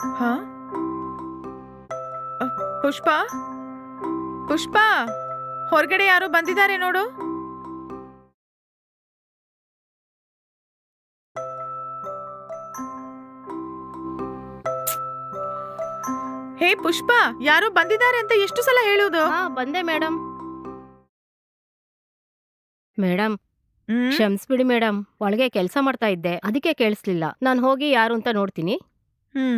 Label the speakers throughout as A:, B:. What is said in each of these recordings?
A: ಹಾ ಅ, ಪುಷ್ಪ ಪುಷ್ಪ ಹೊರಗಡೆ ಯಾರೋ ಬಂದಿದ್ದಾರೆ ನೋಡು. ಹೇ ಪುಷ್ಪ, ಯಾರೋ ಬಂದಿದ್ದಾರೆ ಅಂತ ಎಷ್ಟು ಸಲ ಹೇಳುವುದು?
B: ಹಾ ಬಂದೆ ಮೇಡಮ್. ಮೇಡಮ್
A: ಹ್ಮ್
B: ಕ್ಷಮಿಸ್ಬಿಡಿ ಮೇಡಮ್, ಒಳಗೆ ಕೆಲಸ ಮಾಡ್ತಾ ಇದ್ದೆ, ಅದಕ್ಕೆ ಕೇಳಿಸ್ಲಿಲ್ಲ. ನಾನು ಹೋಗಿ ಯಾರು ಅಂತ ನೋಡ್ತೀನಿ.
A: ಹ್ಮ್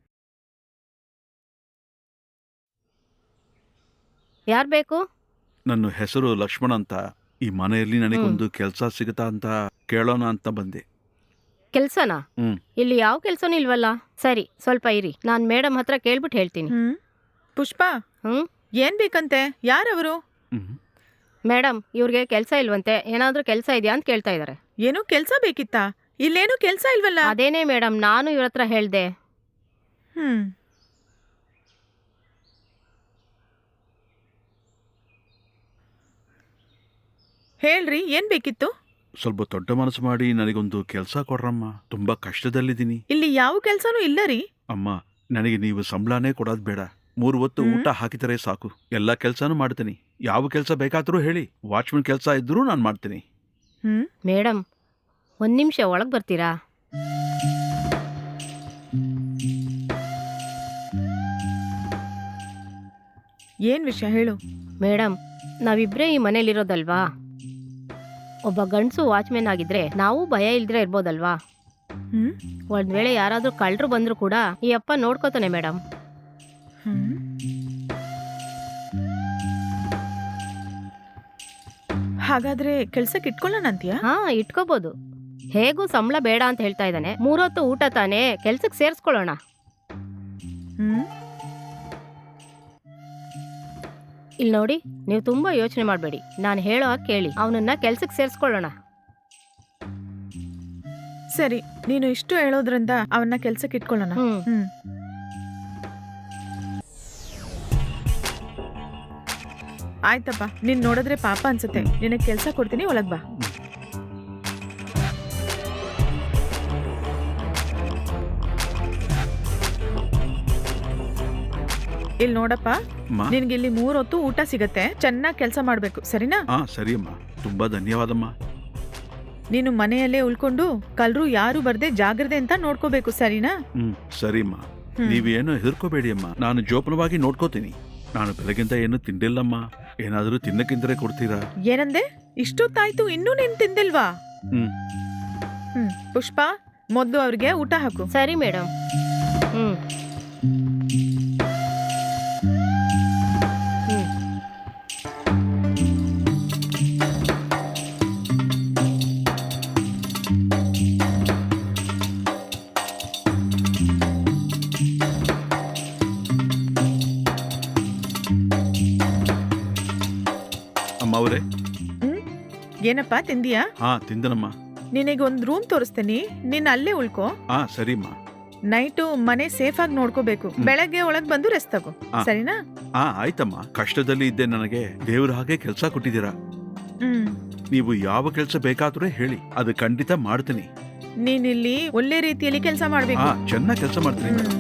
B: ಯಾರು ಬೇಕು?
C: ನನ್ನ ಹೆಸರು ಲಕ್ಷ್ಮಣ ಅಂತ. ಈ ಮನೆಯಲ್ಲಿ ನನಗೊಂದು ಕೆಲಸ ಸಿಗುತ್ತಾ ಅಂತ ಕೇಳೋಣ ಅಂತ ಬಂದೆ.
B: ಕೆಲ್ಸನಾ?
C: ಹ್ಮ್
B: ಇಲ್ಲಿ ಯಾವ ಕೆಲ್ಸನೂ ಇಲ್ವಲ್ಲ. ಸರಿ, ಸ್ವಲ್ಪ ಇರಿ, ನಾನು ಮೇಡಮ್ ಹತ್ರ ಕೇಳ್ಬಿಟ್ಟು ಹೇಳ್ತೀನಿ.
A: ಹ್ಮ್ ಪುಷ್ಪ,
B: ಹ್ಮ್
A: ಏನ್ ಬೇಕಂತೆ? ಯಾರವರು?
C: ಹ್ಮ್
B: ಮೇಡಮ್, ಇವ್ರಿಗೆ ಕೆಲಸ ಇಲ್ವಂತೆ, ಏನಾದ್ರೂ ಕೆಲಸ ಇದೆಯಾ ಅಂತ ಕೇಳ್ತಾ ಇದ್ದಾರೆ.
A: ಏನೋ ಕೆಲ್ಸ ಬೇಕಿತ್ತಾ? ಇಲ್ಲೇನು ಕೆಲ್ಸ ಇಲ್ವಲ್ಲ.
B: ಅದೇನೇ ಮೇಡಮ್, ನಾನು ಇವ್ರ ಹತ್ರ ಹೇಳ್ದೆ.
A: ಹ್ಮ್ ಹೇಳ್ರಿ, ಏನ್ ಬೇಕಿತ್ತು?
C: ಸ್ವಲ್ಪ ದೊಡ್ಡ ಮನಸ್ಸು ಮಾಡಿ ನನಗೊಂದು ಕೆಲಸ ಕೊಡ್ರಮ್ಮ. ತುಂಬಾ ಕಷ್ಟದಲ್ಲಿದ್ದೀನಿ.
A: ಇಲ್ಲಿ ಯಾವ ಕೆಲ್ಸನೂ ಇಲ್ಲ ರೀ.
C: ಅಮ್ಮ, ನನಗೆ ನೀವು ಸಂಬಳನೇ ಕೊಡೋದು ಬೇಡ. 3 ಹೊತ್ತು ಊಟ ಹಾಕಿದರೆ ಸಾಕು. ಎಲ್ಲ ಕೆಲಸನೂ ಮಾಡ್ತೀನಿ. ಯಾವ ಕೆಲಸ ಬೇಕಾದರೂ ಹೇಳಿ. ವಾಚ್ಮನ್ ಕೆಲಸ ಇದ್ರೂ ನಾನು ಮಾಡ್ತೀನಿ.
A: ಹ್ಮ್
B: ಮೇಡಮ್, ಒಂದು ನಿಮಿಷ ಒಳಗೆ ಬರ್ತೀರಾ?
A: ಏನ್ ವಿಷಯ ಹೇಳು.
B: ಮೇಡಮ್, ನಾವಿಬ್ಬರೇ ಈ ಮನೇಲಿರೋದಲ್ವಾ? ಒಬ್ಬ ಗಂಡಸು ವಾಚ್ಮೆನ್ ಆಗಿದ್ರೆ ನಾವು ಭಯ ಇಲ್ದಿರ ಇರ್ಬೋದಲ್ವಾ?
A: ಹ್ಮ್
B: ಒಂದ್ ವೇಳೆ ಯಾರಾದ್ರೂ ಕಳ್ಳರು ಬಂದ್ರು ಕೂಡ ಈ ಅಪ್ಪ ನೋಡ್ಕೋತಾನೆ ಮೇಡಮ್.
A: ಹ್ಮ್ ಹಾಗಾದ್ರೆ ಕೆಲ್ಸಕ್ಕೆ ಇಟ್ಕೊಳ್ಳೋಣ ಅಂತೀಯಾ?
B: ಹಾ, ಇಟ್ಕೋಬಹುದು. ಹೇಗೂ ಸಂಬಳ ಬೇಡ ಅಂತ ಹೇಳ್ತಾ ಇದ್ದಾನೆ. 3 ಹೊತ್ತು ಊಟ ತಾನೇ, ಕೆಲ್ಸಕ್ಕೆ ಸೇರಿಸ್ಕೊಳ್ಳೋಣ.
A: ಹ್ಮ್
B: ಇಲ್ಲಿ ನೋಡಿ, ನೀವು ತುಂಬಾ ಯೋಚನೆ ಮಾಡಬೇಡಿ, ನಾನು ಹೇಳೋ ಹಾಗೆ ಕೇಳಿ, ಅವನನ್ನ ಕೆಲ್ಸಕ್ಕೆ ಸೇರಿಸ್ಕೊಳ್ಳೋಣ.
A: ಸರಿ, ನೀನು ಇಷ್ಟು ಹೇಳೋದ್ರಿಂದ ಅವನ್ನ ಕೆಲ್ಸಕ್ಕೆ ಇಟ್ಕೊಳ್ಳೋಣ.
B: ಹ್ಮ್
A: ಹ್ಮ್ ಆಯ್ತಪ್ಪ, ನೀನ್ ನೋಡಿದ್ರೆ ಪಾಪ ಅನ್ಸುತ್ತೆ. ನಿನಗೆ ಕೆಲ್ಸ ಕೊಡ್ತೀನಿ, ಒಳಗ್ ಬಾ. ಇಲ್ಲಿ ನೋಡಪ್ಪ,
C: ಅಮ್ಮ.
A: ನಿನ್ಗೆ ಇಲ್ಲಿ 3 ಹೊತ್ತು ಊಟ ಸಿಗತ್ತೆ. ಚೆನ್ನಾಗಿ ಕೆಲಸ ಮಾಡ್ಬೇಕು, ಸರಿನಾ?
C: ಹಾ ಸರಿ ಅಮ್ಮ, ತುಂಬಾ ಧನ್ಯವಾದಮ್ಮ.
A: ನೀನು ಮನೆಯಲ್ಲೇ ಉಳ್ಕೊಂಡು ಕಲ್ರು ಯಾರು ಬರ್ದೆ ಜಾಗ್ರತೆ ಅಂತ ನೋಡ್ಕೋಬೇಕು, ಸರಿನಾ?
C: ಸರಿಮ್ಮ. ನೀವೇನು ಹೆದರ್ಕೋಬೇಡಿ ಅಮ್ಮ, ನಾನು ಜೋಪಾನವಾಗಿ ನೋಡ್ಕೋತೀನಿ. ನಾನು ಬೆಳಗಿಂದ ಏನು ತಿಂಡಿಲ್ಲಮ್ಮ. ಏನಾದರೂ ತಿನ್ನಕ್ಕಿಂದ್ರೆ ಕೊಡ್ತೀರಾ?
A: ಏನಂದೆ? ಇಷ್ಟೊತ್ತಾಯ್ತು, ಇನ್ನೂ ನೀನ್ ತಿಂದಿಲ್ವಾ?
C: ಹ್ಮ್
A: ಪುಷ್ಪ, ಮೊದ್ಲು ಅವ್ರಿಗೆ ಊಟ ಹಾಕು.
B: ಸರಿ ಮೇಡಮ್. ಹ್ಮ್ ಹ್ಮ್
C: ಅಮ್ಮ ಅವರೇ.
A: ಹ್ಮ್ ಏನಪ್ಪಾ, ತಿಂದಿಯಾ?
C: ಹಾ ತಿಂದನಮ್ಮ.
A: ನಿನಗೊಂದ್ ರೂಮ್ ತೋರಿಸ್ತೀನಿ, ನೀನ್ ಅಲ್ಲೇ ಉಳ್ಕೋ.
C: ಹಾ ಸರಿಮ್ಮ.
A: ನೈಟು ಮನೆ ಸೇಫ್ ಆಗಿ ನೋಡ್ಕೋಬೇಕು. ಬೆಳಗ್ಗೆ ಒಳಗ್ ಬಂದು ರೆಸ್ಟ್ ತಗೋ,
C: ಆ.
A: ಸರಿನಾ?
C: ಹಾ ಆಯ್ತಮ್ಮ. ಕಷ್ಟದಲ್ಲಿ ಇದ್ದೆ, ನನಗೆ ದೇವ್ರ ಹಾಗೆ ಕೆಲಸ ಕೊಟ್ಟಿದ್ದೀರಾ.
A: ಹ್ಮ್
C: ನೀವು ಯಾವ ಕೆಲಸ ಬೇಕಾದ್ರೂ ಹೇಳಿ, ಅದು ಖಂಡಿತ ಮಾಡ್ತೀನಿ.
A: ನೀನಿಲ್ಲಿ ಒಳ್ಳೆ ರೀತಿಯಲ್ಲಿ ಕೆಲಸ ಮಾಡ್ಬೇಕು.
C: ಹಾ ಚೆನ್ನಾಗಿ ಕೆಲಸ ಮಾಡ್ತೀನಿ ಮೇಡಮ್.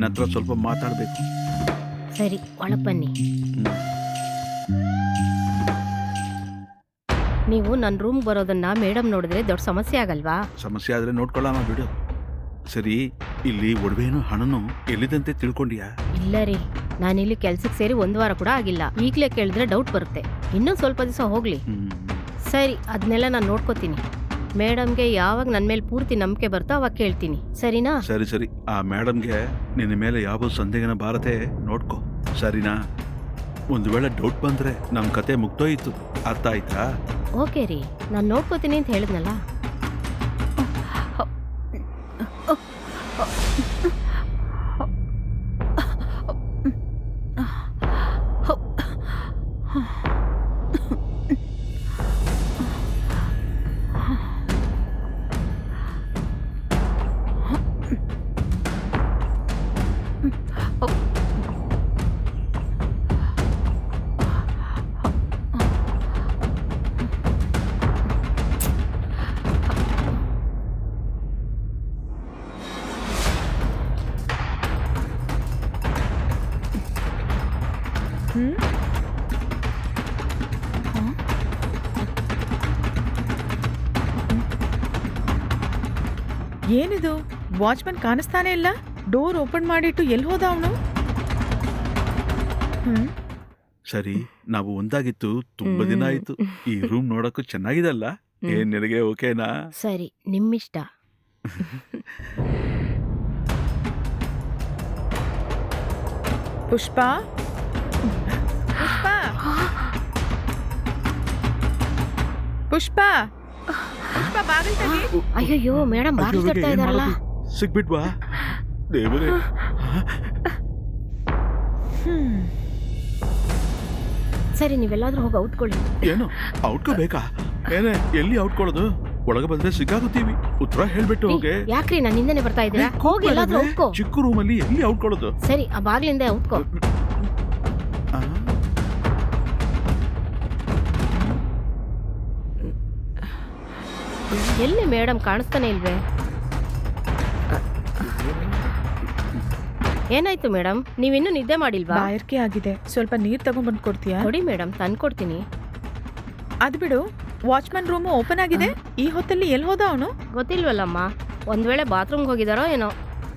C: ಹತ್ರ ಸ್ವಲ್ಪ ಮಾತಾಡಬೇಕು.
B: ಸರಿ, ಒಳಗೆ ಬನ್ನಿ. ನೀವು ನನ್ನ ರೂಮ್ ಬರೋದನ್ನ ಮೇಡಮ್ ನೋಡಿದ್ರೆ ದೊಡ್ಡ ಸಮಸ್ಯೆ ಆಗಲ್ವಾ?
C: ಸಮಸ್ಯೆ ಆದ್ರೆ ನೋಡ್ಕೊಳ್ಳೋಣ ಬಿಡು. ಸರಿ, ಇಲ್ಲಿ ಒಡವೆನೂ ಹಣನೂ ಎಲ್ಲಿದಂತೆ ತಿಳ್ಕೊಂಡಿಯಾ?
B: ಇಲ್ಲ ರೀ, ನಾನಿಲ್ಲಿ ಕೆಲ್ಸಕ್ಕೆ ಸೇರಿ 1 ವಾರ ಕೂಡ ಆಗಿಲ್ಲ. ಈಗಲೇ ಕೇಳಿದ್ರೆ ಡೌಟ್ ಬರುತ್ತೆ. ಇನ್ನೂ ಸ್ವಲ್ಪ ದಿವಸ ಹೋಗ್ಲಿ. ಸರಿ, ಅದನ್ನೆಲ್ಲ ನಾನು ನೋಡ್ಕೋತೀನಿ. ಮೇಡಮ್ಗೆ ಯಾವಾಗ ನನ್ನ ಮೇಲೆ ಪೂರ್ತಿ ನಂಬಿಕೆ ಬರ್ತೋ ಅವಾಗ ಕೇಳ್ತೀನಿ, ಸರಿನಾ?
C: ಸರಿ ಸರಿ, ಆ ಮೇಡಮ್ಗೆ ನಿನ್ನ ಮೇಲೆ ಯಾವ ಸಂದೇಹನ ಬಾರದೆ ನೋಡ್ಕೊ, ಸರಿನಾ? ಒಂದು ವೇಳೆ ಡೌಟ್ ಬಂದ್ರೆ ನಮ್ಮ ಕತೆ ಮುಗ್ದೋಯ್ತು, ಅರ್ಥ ಆಯ್ತಾ?
B: ಓಕೆ ರೀ, ನಾನು ನೋಡ್ಕೋತೀನಿ ಅಂತ ಹೇಳಿದ್ನಲ್ಲ.
A: ಏನಿದು, ವಾಚ್ಮನ್ ಕಾಣಿಸ್ತಾನೆ ಇಲ್ಲ. ಡೋರ್ ಓಪನ್ ಮಾಡಿಟ್ಟು ಎಲ್ಲಿ ಹೋದ ಅವನು?
C: ಸರಿ, ನಾವು ಒಂದಾಗಿತ್ತು ತುಂಬಾ ದಿನ ಆಯ್ತು. ಈ ರೂಮ್ ನೋಡಕ್ಕೂ ಚೆನ್ನಾಗಿದೆ ಅಲ್ಲ? ಏನ್ ನಿನಗೆ ಓಕೆನಾ?
B: ಸರಿ, ನಿಮ್ಮಿಷ್ಟ.
A: ಪುಷ್ಪ, ಪುಷ್ಪ, ಪುಷ್ಪ, ಪುಷ್ಪ, ಬಾಗಿಲು ತೆಗಿ.
B: ಅಯ್ಯಯ್ಯೋ, ಮೇಡಮ್ ಬಾಗಿಲು ತಟ್ತಾ ಇದಾರಲ್ಲ.
C: ಸಿಗ್ಬಿಟ್ವಾ ದೇವರೇ?
B: ಸರಿ, ನೀವೆಲ್ಲಾದ್ರೂ ಹೋಗಿ ಔಟ್ಕೊಳ್ಳಿ.
C: ಏನು ಔಟ್ಕೋಬೇಕಾ? ಏನೇ, ಎಲ್ಲಿ ಔಟ್ಕೊಳ್ಳೋದು? ಒಳಗೆ ಬಂದ್ರೆ ಸಿಕ್ಕಾಗುತ್ತೀವಿ. ಉತ್ತರ ಹೇಳ್ಬಿಟ್ಟು ಹೋಗೆ.
B: ಯಾಕ್ರಿ ನಾನು ಹಿಂದೆನೆ ಬರ್ತಾ ಇದ್ದೀರಾ? ಹೋಗಿ ಎಲ್ಲಾದ್ರೂ ಔಟ್ಕೋ.
C: ಚಿಕ್ಕ ರೂಮಲ್ಲಿ ಎಲ್ಲಿ ಔಟ್ಕೊಳ್ಳೋದು?
B: ಸರಿ, ಆ ಬಾಗ್ಲಿಂದ ಔಟ್ಕೋ. ಎಲ್ಲಿ ಮೇಡಮ್ ಕಾಣಿಸ್ತಾನೆ ಇಲ್ವೇ? ಏನಾಯ್ತು ಮೇಡಮ್, ನೀವಿನ್ನೂ ನಿದ್ದೆ ಮಾಡಿಲ್ವಾ?
A: ಬಾಯರ್ಕೆ ಆಗಿದೆ, ಸ್ವಲ್ಪ ನೀರ್ ತಗೊಂಡ್ಬಂದು ಕೊಡ್ತೀಯಾ?
B: ಕೊಡಿ ಮೇಡಮ್, ತಂದ್ಕೊಡ್ತೀನಿ.
A: ಅದ್ ಬಿಡು, ವಾಚ್ಮನ್ ರೂಮು ಓಪನ್ ಆಗಿದೆ. ಈ ಹೊತ್ತಲ್ಲಿ ಎಲ್ಲಿ ಹೋದ ಅವನು?
B: ಗೊತ್ತಿಲ್ವಲ್ಲಮ್ಮ, ಒಂದ್ ವೇಳೆ ಬಾತ್ರೂಮ್ಗೆ ಹೋಗಿದಾರೋ ಏನೋ.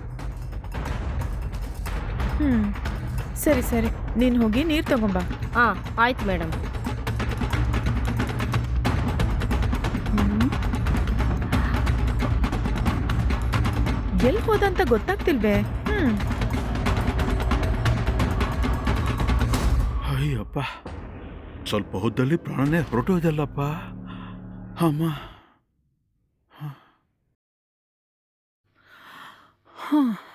A: ಸರಿ ಸರಿ, ನೀನ್ ಹೋಗಿ ನೀರ್ ತಗೊಂಬ.
B: ಹಾ, ಆಯ್ತು ಮೇಡಮ್.
A: ಎಲ್ಲಿ ಹೋದಂತ ಗೊತ್ತಾಗ್ತಿಲ್ವೇ?
C: ಅಯ್ಯಪ್ಪ, ಸ್ವಲ್ಪ ಹೊತ್ತಲ್ಲಿ ಪ್ರಾಣನೇ ಹೊರಟೋದಲ್ಲಪ್ಪ. ಅಮ್ಮ.